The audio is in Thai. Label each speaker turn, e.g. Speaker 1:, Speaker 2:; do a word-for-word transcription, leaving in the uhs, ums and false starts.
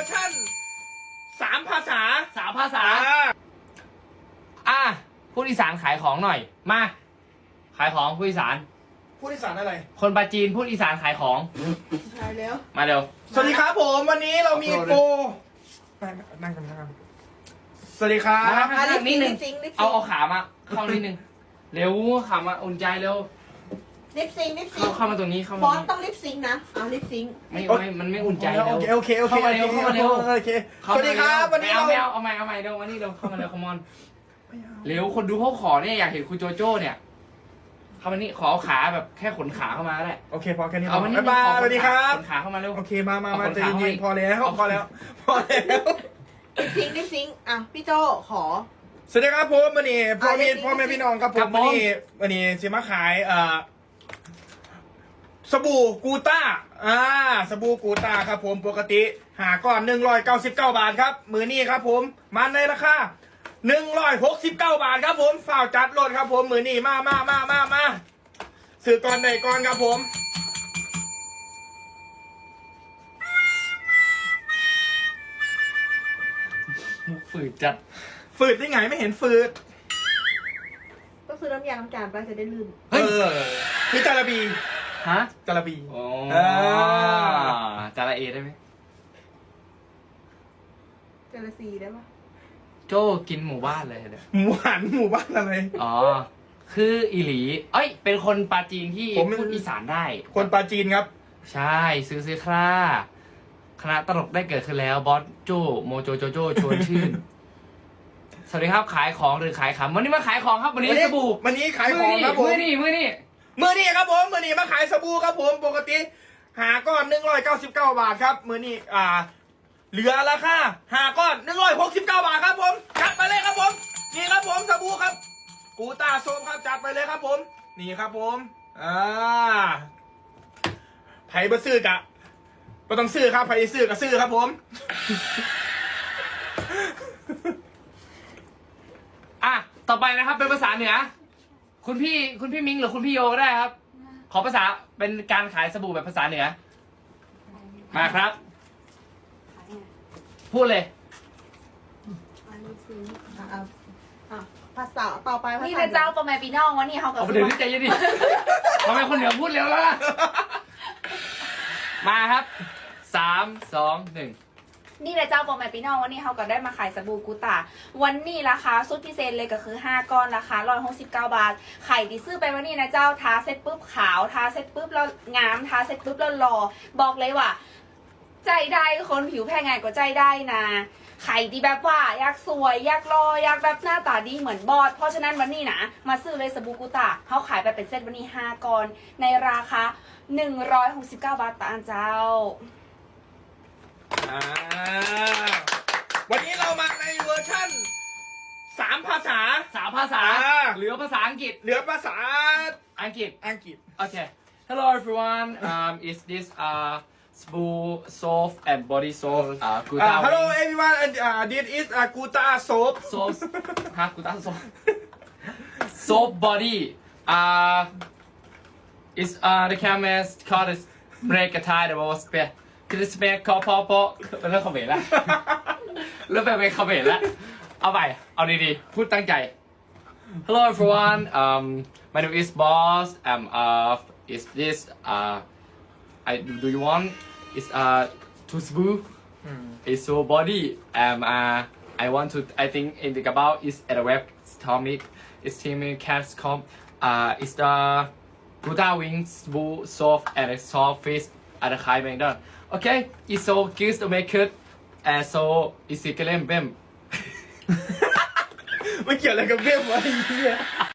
Speaker 1: ร์ชั่นสามภาษา
Speaker 2: สามภาษาอ่ะพูดอีสานขายของหน่อยมาขายของพูดอีสาน
Speaker 1: ผู้อีสานอะไร
Speaker 2: คนปาจีนพูดอีสานขายของ
Speaker 3: ใช่แล้ว
Speaker 2: มาเร็ว
Speaker 1: สวัสดีครับผมวันนี้เรามีโปรนั่งนั่งกันนั่งกันสวัสดีครับ
Speaker 2: มา
Speaker 3: ลิ
Speaker 2: ลิ
Speaker 3: ป
Speaker 2: นิ
Speaker 3: ซิ
Speaker 2: ด
Speaker 3: ง
Speaker 2: นึ
Speaker 3: ลิ
Speaker 2: ง
Speaker 3: ปซิงลิปซิง
Speaker 2: เอาเอาขามาเข้านิดนึงเร็วขามาอุ่นใจเร็ว
Speaker 3: ลิปซิงลิปซิ
Speaker 2: เข้าง เข้ามาตรงนี้เข้ามา
Speaker 3: บ
Speaker 2: ต
Speaker 3: อ
Speaker 2: รง
Speaker 3: ส
Speaker 2: นี้
Speaker 3: ต้องลิปซิงนะเอาลิปซิง
Speaker 2: ไม่ไม่มันไม่อุ่นใจ
Speaker 1: โอ
Speaker 2: แล้ว
Speaker 1: เคโอเคโอเค
Speaker 2: เข้ามาเร็วเข้ามาเร็ว
Speaker 1: โอเคสวัสดีครับวันนี้
Speaker 2: เอา
Speaker 1: เรา
Speaker 2: ไม่เอาเอาใหม่เอาใหม่เร็วมานี่เร็วเข้ามาเร็วคอมอนเร็วคนดูเขาขอเนี่ยอยากเห็นคุณโจโจ้เนี่ยเข้ามานี่ขอเอาขาแบบแค่ขนขาเข้ามาก็ได้
Speaker 1: โอเคพอแค่นี้
Speaker 2: เอามานี่
Speaker 1: บ๊ายบายสวัสดีครับ
Speaker 2: ขนขาเข้ามาเร็ว
Speaker 1: โอเคมามามา
Speaker 2: เอาคน
Speaker 1: ใจ
Speaker 2: ขา
Speaker 1: เย็น
Speaker 2: ให้
Speaker 1: ๆพอแล้ว
Speaker 2: เอา
Speaker 1: พอแล้วพอแล้ว
Speaker 3: ลิปซิงลิปซิงอ่ะพี่โจขอ
Speaker 1: สวัสดีครับผมวันนี้พ่อแม่
Speaker 3: อ่ะ
Speaker 1: พ่อแม่พี่น้องครับผ
Speaker 2: ครั
Speaker 1: ม
Speaker 2: บผม
Speaker 1: วันนี้วันนี้จะมาขายเอ่อสบู่กูต้าอ่าสบู่กูต้าครับผมปกติหาก้อนหนึ่งร้อยเก้าสิบเก้าบาทครับมือนี้ครับผมมาในราคาหนึ่งร้อยหกสิบเก้าบาทครับผมฝ่าวจัดรถครับผมมือนี้มามามามามาซื้อก่อนใดก่อนครับผม
Speaker 2: มุกฝืดจัด
Speaker 1: ฝืดได้ไงไม่เห็นฝืด
Speaker 3: ก็คือน้ำยาล้างจานไปจะได้ลืม
Speaker 1: เออคือจาระบี
Speaker 2: ฮะ
Speaker 1: จาระบี
Speaker 2: โอ้
Speaker 1: อ่า
Speaker 2: จาระเอได้ไหม
Speaker 3: เจลซีได้ปะ
Speaker 2: โจกินหมู่บ้านเลยเดี๋ยว
Speaker 1: หมู่หันหมู่บ้านอะไร
Speaker 2: อ๋อ คืออีหลี เอ้ย เป็นคนปาจีนที่
Speaker 1: ผมเป็น
Speaker 2: พูดอีสานได้
Speaker 1: คนปาจีนครับ
Speaker 2: ใช่ ซื้อซื้อคร่าคณะตลกได้เกิดขึ้นแล้ว บอสโจโมโจโจโจชวนชื่น สวัสดีครับ ขายของหรือขายขำวันนี้มาขายของครับ วันนี้สบู่
Speaker 1: วันนี้ขายของครับผม
Speaker 2: มือนี่มือนี่
Speaker 1: มือนี้ครับผมมือนี้มาขายสบู่ครับผมปกติหาก้อนหนึ่งร้อยเก้าสิบเก้าบาทครับมือนี้อ่า เหลือราคาหาก้อนหนึ่งร้อยหกสิบเก้าบาทครับผมจัดไปเลยครับผมนี่ครับผมสบู่ครับกูตาโซมครับจัดไปเลยครับผม นี่ครับผมอ่าไผ่บะซื้อกะก็ต้องซื้อครับไผ่ซื้อก็ซื้อครับผม
Speaker 2: อ่ะ ต่อไปนะครับ เป็นภาษาเหนือ คุณพี่ คุณพี่มิงหรือคุณพี่โยก็ได้ครับ ขอภาษา เป็นการขายสบู่แบบภาษาเหนือ มาครับ พูดเลย
Speaker 3: อันลิปซิงอ่ะอ่ะอ่ะภาษาต่อไปภาษา
Speaker 4: นี่นะเจ้าประมาณปีน้องวันนี้เขากับ
Speaker 2: เอาไปเดี๋ยวนี้ใจเย็นดิ ทำไมคนเหนือพูดเร็วแล้วล่ะ มาครับ สาม สอง หนึ่ง
Speaker 4: นี่นะเจ้าประมาณปีน้องวันนี้เขาก็ได้มาขายสบู่กูตาวันนี้ราคาสุดพิเศษเลยก็คือห้าก้อนราคาร้อยหกสิบเก้าบาทไข่ที่ซื้อไปวันนี้นะเจ้าทาเสร็จปุ๊บขาวทาเสร็จปุ๊บแล้วงามทาเสร็จปุ๊บแล้วหล่อบอกเลยว่า ใจได้คนผิวแพ้ง่ายกว่าใจได้นะไข่ดีแบบว่าอยากสวยอยากรออยากแบบหน้าตาดีเหมือนบอสเพราะฉะนั้นวันนี้นะมาซื้อเลยสบู่กูตาเขาขายไปเป็นเซตวันนี้ห้าก้อนในราคาหนึ่งร้อยหกสิบเก้าบาทต่ออันเจ้า
Speaker 1: อ่าวันนี้เรามาในเวอร์ชั่นสามภาษา
Speaker 2: สามภาษา
Speaker 1: อ่า
Speaker 2: เหลือภาษาอังกฤษ
Speaker 1: เหลือภาษา
Speaker 2: อังกฤษ
Speaker 1: อังกฤษ
Speaker 2: Okay. Hello everyone. Um, is this uh Spoo soap and body soap? Uh,
Speaker 1: อ่า
Speaker 2: Guta
Speaker 1: Hello
Speaker 2: Wing
Speaker 1: everyone and uh, this is uh, Guta soap
Speaker 2: soap. ฮะ Guta soap. Soap body. Uh, is uh the chemist called is break a tie the was be. คือสเปคคอพอพอเป็นเรื่องคอมเมนต์ละเริ่มเป็นคอมเมนต์ละเอาไปเอาดีๆพูดตั้งใจ Hello everyone. Um, my name is Boss. Um, uh, is this uh, I do you want? Is uh, to spoo? Is so body. Um, uh, I want to. I think in the about is at the web. Tommy is teaming cats com. Uh, is the Buddha wings spoo soft and a soft fish at the high man. Okay, it's so good to make it. And so is it glam bim.
Speaker 1: ไม่เกี่ยวอะไรกับเบี้ยวะไอ้เหี้ย